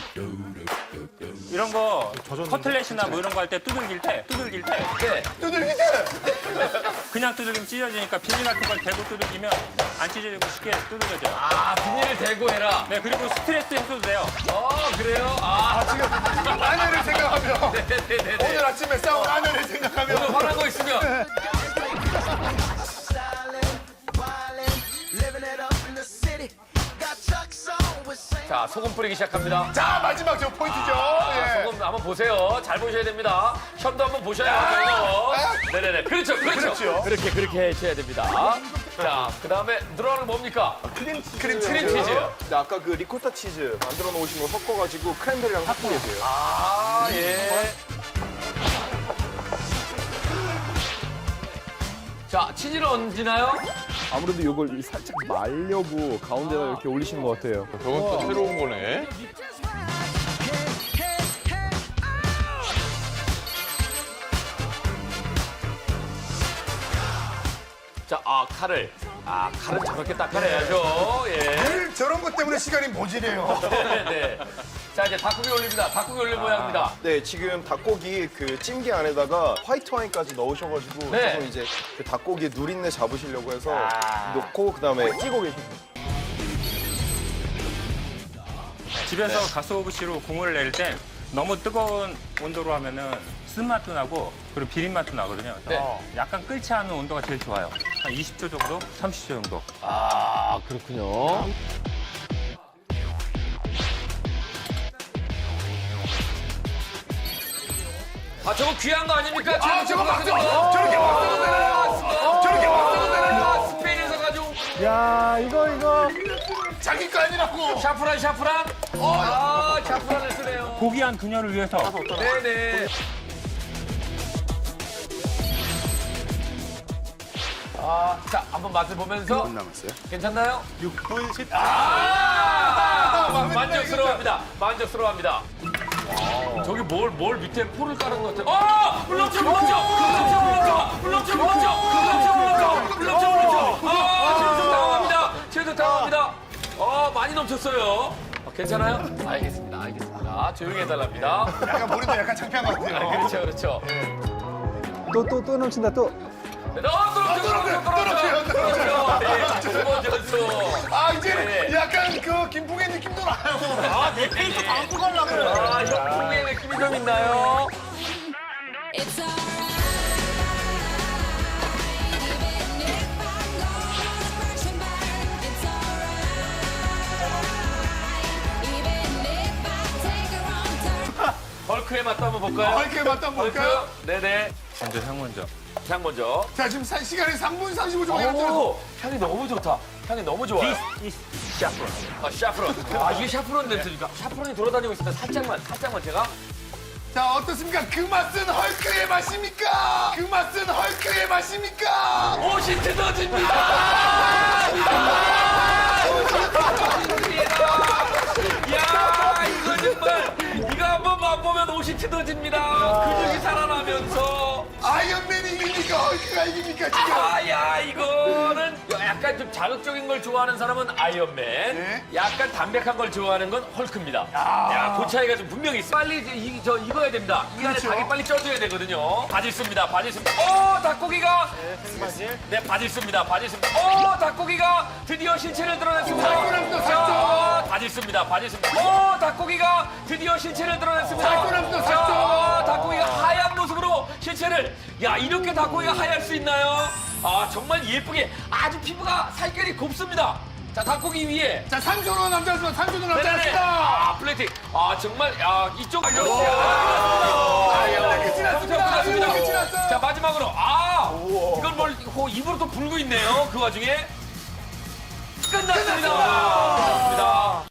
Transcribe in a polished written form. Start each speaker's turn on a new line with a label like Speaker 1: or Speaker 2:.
Speaker 1: 이런 거 커틀렛이나 뭐 이런 거 할 때 두들길 때
Speaker 2: 두들기 때.
Speaker 1: 그냥 두들기면 찢어지니까 비닐 같은 걸 대고 두들기면 안 찢어지고 쉽게 두들겨져요.
Speaker 2: 아, 비닐을 대고 해라.
Speaker 1: 네, 그리고 스트레스 해소도 돼요.
Speaker 2: 그래요? 아,
Speaker 3: 지금 아내를 생각하며
Speaker 2: 네네네.
Speaker 3: 오늘 아침에 싸운 아내를 생각하며
Speaker 2: 오늘 화난 거 있으면. 자, 소금 뿌리기 시작합니다.
Speaker 3: 자 마지막 저 포인트죠. 예.
Speaker 2: 소금 한번 보세요. 잘 보셔야 됩니다. 시험도 한번 보셔야 돼요. 네네네. 그렇죠.
Speaker 3: 그렇죠.
Speaker 2: 그렇게 해줘야 됩니다. 자, 그 다음에 늘어나는 거뭡니까? 크림치즈.
Speaker 4: 근데 아까 그 리코타 치즈 만들어 놓으신 거 섞어가지고 크랜베리랑 섞은 거예요.
Speaker 2: 아, 예. 자, 치즈를 얹나요?
Speaker 4: 아무래도 이걸 살짝 말려고 가운데다 이렇게 올리시는 것 같아요.
Speaker 5: 저건 또 새로운 거네.
Speaker 2: 자, 칼을. 칼은 저렇게 닦아내야죠. 예.
Speaker 3: 늘 저런 것 때문에 시간이 모질해요.
Speaker 2: 네. 자, 이제 닭고기 올립니다. 닭고기 올릴 모양입니다.
Speaker 4: 네, 지금 닭고기 그 찜기 안에다가 화이트 와인까지 넣으셔가지고
Speaker 2: 네.
Speaker 4: 조금 이제 그 닭고기 누린내 잡으시려고 해서 넣고 그다음에 끼고 계십니다.
Speaker 1: 집에서 가스오브시로 국물을 낼 때 너무 뜨거운 온도로 하면은 쓴맛도 나고 그리고 비린맛도 나거든요. 그래서
Speaker 2: 네.
Speaker 1: 약간 끓지 않은 온도가 제일 좋아요. 한 20초 정도? 30초 정도.
Speaker 2: 그렇군요. 저거 귀한 거 아닙니까?
Speaker 3: 저거 막 저렇게 막 써도 되나요? 저렇게 막 써도 되나요?
Speaker 2: 스페인에서 가져온
Speaker 6: 야, 이거.
Speaker 3: 자기 거 아니라고.
Speaker 2: 샤프란. 샤프란을 쓰네요.
Speaker 1: 고귀한 그녀를 위해서
Speaker 2: 네네. 자, 한번 맛을 보면서.
Speaker 4: 남았어요?
Speaker 2: 괜찮나요?
Speaker 1: 6분 10초.
Speaker 2: 만족스러워합니다. 저기 뭘 밑에 포를 깔은 것 같아요. 물렁쳐. 최소 당황합니다. 많이 넘쳤어요. 괜찮아요? 알겠습니다. 조용히 해달랍니다.
Speaker 3: 약간 머리도 약간 창피한 것 같아요.
Speaker 2: 그렇죠.
Speaker 6: 또 넘친다, 또.
Speaker 3: 아 이제
Speaker 2: 네.
Speaker 3: 약간 그 김풍의 느낌도 나요. 내 페이스 담고 가려고.
Speaker 2: 형풍의 느낌이 좀 있나요?
Speaker 7: It's alright, even if I'm gonna crash and burn. It's alright, even if I take a wrong turn.
Speaker 2: 헐크의 맛도 한번 볼까요?
Speaker 3: 헐크의 맛도 한번 볼까요?
Speaker 2: 네네.
Speaker 1: 먼저 향 먼저.
Speaker 2: 향 먼저.
Speaker 3: 자 지금 시간이 3분 35초가 남았어요.
Speaker 2: 향이 너무 좋다. 향이 너무 좋아요. 샤프론. 이게 샤프론 냄새니까. 샤프론이 돌아다니고 있습니다. 살짝만 제가.
Speaker 3: 자 어떻습니까? 그 맛은 헐크의 맛입니까? 그 맛은 헐크의 맛입니까?
Speaker 2: 옷이 뜯어집니다. 야, 이거 정말 이거 한번 맛보면 옷이 뜯어집니다. 근육이 살아나면서.
Speaker 3: 아이언맨이 이깁니까? 헐크가 이깁니까 지금?
Speaker 2: 야, 이거는 약간 좀 자극적인 걸 좋아하는 사람은 아이언맨,
Speaker 3: 네.
Speaker 2: 약간 담백한 걸 좋아하는 건 헐크입니다. 야, 그 차이가 좀 분명히 있어. 빨리 익어야 됩니다. 이 안에
Speaker 3: 그렇죠.
Speaker 2: 닭이 빨리 쪄줘야 되거든요. 바질 씁니다. 닭고기가. 네, 바질 씁니다. 닭고기가 드디어 실체를 드러냈습니다.
Speaker 3: 살코기도 샀죠.
Speaker 2: 바질 씁니다. 닭고기가 드디어 실체를 드러냈습니다.
Speaker 3: 살코기도 샀죠.
Speaker 2: 닭고기가 하얀 모습으로 실체를. 야, 이렇게 닭고기가 하얄 수 있나요? 정말 예쁘게 아주 피부가 살결이 곱습니다. 자, 닭고기 위에.
Speaker 3: 자 3초로 남자였습니다. 3초로 남자였습니다.
Speaker 2: 플레이팅. 정말, 이쪽.
Speaker 3: 끝이 났습니다. 끝이 났어요.
Speaker 2: 자, 마지막으로. 이건 입으로 또 불고 있네요. 그 와중에. 끝났습니다.